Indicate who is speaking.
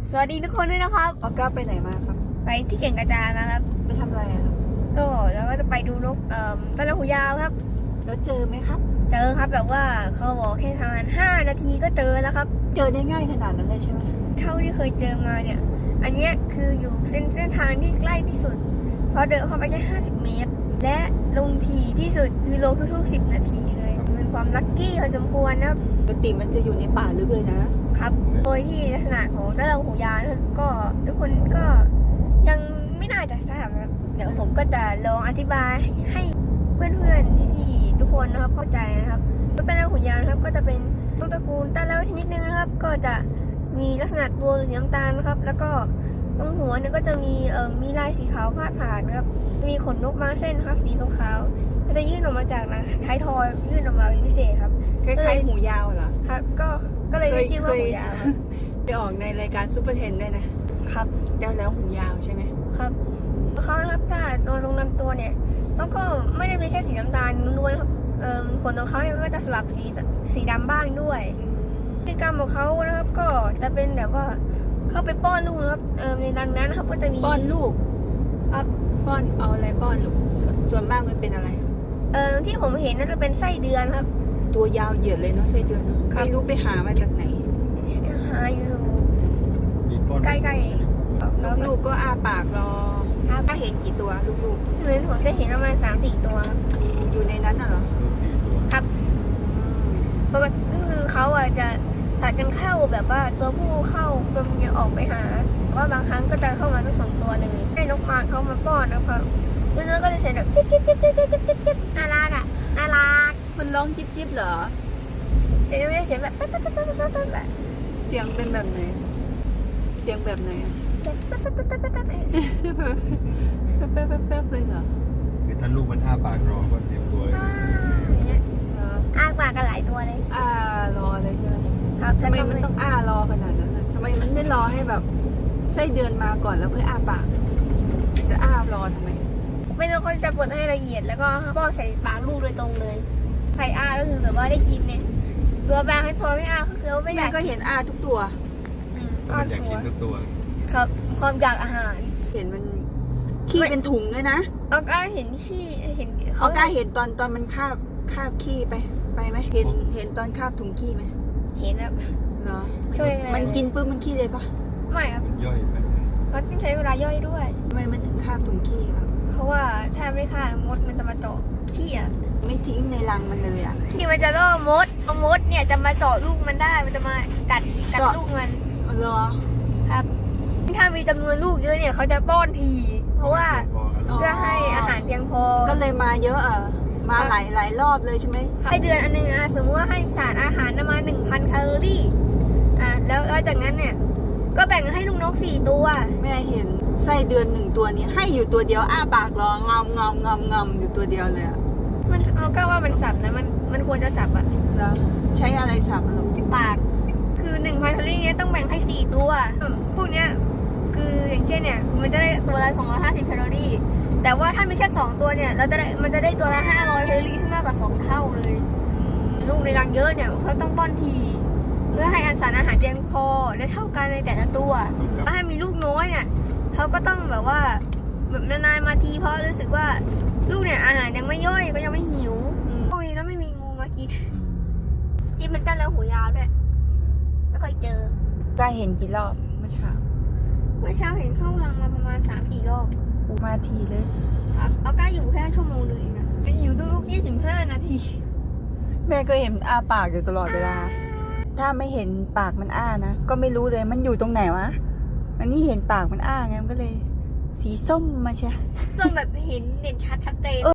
Speaker 1: สวัสดีทุกคนด้วยนะครับ
Speaker 2: ออก้าไปไหนมาครับ
Speaker 1: ไปที่เก่งกระจานมาครับ
Speaker 2: ไปทำอะไรครับ
Speaker 1: ก็แล้วก็จะไปดูนกตะละหูยาวครับ
Speaker 2: แล้วเจอไหมครับ
Speaker 1: เจอครับแบบว่าเขาบอกแค่ประมาณ5 นาทีก็เจอแล้วครับ
Speaker 2: เจอได้ง่ายขนาดนั้นเลยใช่ไหม
Speaker 1: เท่าที่เคยเจอมาเนี่ยอันนี้คืออยู่เส้นทางที่ใกล้ที่สุดเพราะเดินเข้าไปแค่50 เมตรและลงถี่ที่สุดคือลงทุกๆ10 นาทีเลยเป็นความลัคกี้พอสมควรนะครับ
Speaker 2: ปกติมันจะอยู่ในป่าลึกเลยนะครับ
Speaker 1: โดยที่ลักษณะของตะละหูยาวนะครับก็ทุกคนก็ยังไม่น่าจะทราบนะครับเดี๋ยวผมก็จะลองอธิบายให้เพื่อนๆพี่ๆทุกคนนะครับเข้าใจนะครับนกตะละหูยาวนะครับก็จะเป็นนกตระกูลตะละชนิดนึงนะครับก็จะมีลักษณะตัวสีน้ำตาลนะครับแล้วก็ตรงหัวเนี่ยก็จะมีลายสีขาวพาดผ่านนะครับมีขนนกบางเส้นครับสีขาวๆก็จะยื่นออกมาจากท้ายทอยยื่นออกมาเป็นพิเศษครับ
Speaker 2: คล้ายๆหูยาวเหรอ
Speaker 1: ครับก็เลยชื่อว่าหูยาว
Speaker 2: ไปออกในรายการซุปเปอร์เทนได้นะครับแล้วหูยาวใช่ไหม
Speaker 1: ครับเขาครับถ้าตัวตรงลำตัวเนี่ยเขาก็ไม่ได้เป็นแค่สีน้ำตาลล้วนๆครับขนของเขาเนี่ยก็จะสลับสีดำบ้างด้วยพฤติกรรมของเขานะครับก็จะเป็นแบบว่าเข้าไปป้อนลูกนะครับในรังนั้นนะครับก็จะมี
Speaker 2: ป้อนลูก
Speaker 1: ครับ
Speaker 2: ป้อนเอาอะไรป้อนลูกส่วนมากมันเป็นอะไร
Speaker 1: ที่ผมเห็นนั่นจะเป็นไส้เดือนครับ
Speaker 2: ตัวยาวเหยียดเลยเนาะไส้เดือนเนาะไม่รู้ไปหามาจากไหน
Speaker 1: หาอยู่ใกล้
Speaker 2: ๆลูกก็อ้าปากรอถ้าเห็นกี่ตัวลูก
Speaker 1: ๆเหมือนผมจะเห็นประมาณ3-4 ตัว
Speaker 2: อยู่ในนั้นน่ะเหรอ
Speaker 1: ครับเพราะว่าคือเขาจะผลัดกันเข้าแบบว่าตัวผู้เข้าตัวเมียออกไปหาว่าบางครั้งก็จะเข้ามาทั้ง2 ตัวเลยให้นกมาเขามาป้อนนะครับแล้วก็จะเสียงแบบจิ๊บจิ๊บจิ๊บจิ๊บจิ๊บจิ๊บจิ๊บน่ารักอ่ะน่ารัก
Speaker 2: มันร้องจิ๊บจิ๊บเหรอ
Speaker 1: แต่ไม่ได้เสียงแบบ
Speaker 2: เสียงเป็นแบบไหนเสียงแบบไหนแป๊บเลยเหรอ
Speaker 3: คือถ้าลูกมันอ้าปากรอก็เตรียมตัว
Speaker 1: อ้าปากกันหลายตัวเลย
Speaker 2: รอเลยใช่ไหม
Speaker 1: ครับ
Speaker 2: ทำไมมันต้องรอขนาดนั้นทำไมมันไม่รอให้แบบไส้เดือนมาก่อนแล้วค่อยอ้าปากจะรอทำไม
Speaker 1: ไม่ต้องเขาจะบดให้ละเอียดแล้วก็ป้อนใส่ปากลูกโดยตรงเลยใครก็คือแบบว่าได้กินเนี่ยตัวบางให้พอไม่ก็คือไม่อยาก
Speaker 2: แม่ก็เห็นทุกตัว
Speaker 3: มันอยากกินทุกตัว
Speaker 1: ครับความอยากอาหาร
Speaker 2: เห็นมันขี้เป็นถุงเลยนะ
Speaker 1: ก็เห็นขี้เห็น
Speaker 2: เขาเห็นตอนมันคาบขี้ไปไหมเห็นตอนคาบถุงขี้ไหม
Speaker 1: เห็นครับ
Speaker 2: เหรอมันกินปุ๊บมันขี้เลยปะ
Speaker 1: ไม่ครับ
Speaker 3: ย่อยไป
Speaker 1: เพราะต้องใช้เวลาย่อยด้วย
Speaker 2: ทำไมมันถึงคาบถุงขี้ครับ
Speaker 1: เพราะว่าถ้าไม่คาบมดมันจะมาเจาะขี้
Speaker 2: ไม่ทิ้งในรังมันเลย
Speaker 1: ขี้มันจะล่อมดมดเนี่ยจะมาเจาะลูกมันได้มันจะมากัดลูกมัน
Speaker 2: เหรอ
Speaker 1: ครับถ้ามีจำนวนลูกเยอะเนี่ยเขาจะป้อนทีเพราะว่าเพื่อให้อาหารเพียงพอ
Speaker 2: ก็เลยมาเยอะมาหลายรอบเลยใช่ไหม
Speaker 1: ให้เดือนอันนึงสมมติว่าให้สารอาหารประมาณ 1,000 แคลอรี่แล้วจากนั้นเนี่ยก็แบ่งให้ลูกนก4 ตัว
Speaker 2: แม่เห็นไส้เดือน1 ตัวนี้ให้อยู่ตัวเดียวอ้าปากรองอมอยู่ตัวเดียวเลย
Speaker 1: มันก็ว่ามันสับนะมันควรจะสับ
Speaker 2: แล้วใช้อะไรสับลูก
Speaker 1: ปากคือ 1,000 แคลอรี่เนี่ยต้องแบ่งให้4 ตัวพวกเนี้ยคืออย่างเช่นเนี่ยมันจะได้ตัวละ250 แคลอรี่แต่ว่าถ้ามีแค่2 ตัวเนี่ยมันจะได้ตัวละ500 แคลอรี่ซึ่งมากกว่า2 เท่าเลยลูกในรังเยอะเนี่ยเขาต้องป้อนทีเพื่อให้สารอาหารเพียงพอและเท่ากันในแต่ละตัวถ้ามีลูกน้อยเนี่ยเขาก็ต้องแบบว่าแบบนานๆมาทีเพราะรู้สึกว่าลูกเนี่ยอาหารยังไม่ย่อยก็ยังไม่หิวพวกนี้แล้วไม่มีงูมากินที่มันกันแล้วหูยาวด้วยไม่เคยเจอ
Speaker 2: ก็เห็นกี่รอบเมื่อเช้า
Speaker 1: เห็นเข้ารังมาประมาณ 3-4 รอบ
Speaker 2: มาทีเลย
Speaker 1: ครับเอาก้าอยู่แค่ชั่วโมงนึงนะจะอยู่ทุก25 นาที
Speaker 2: แม่ก็เห็นปากอยู่ตลอดเวลาถ้าไม่เห็นปากมันนะก็ไม่รู้เลยมันอยู่ตรงไหนวะอันนี้เห็นปากมันไงมันก็เลยสีส้มมาใช่
Speaker 1: ส้มแบบเห็นชัดเจน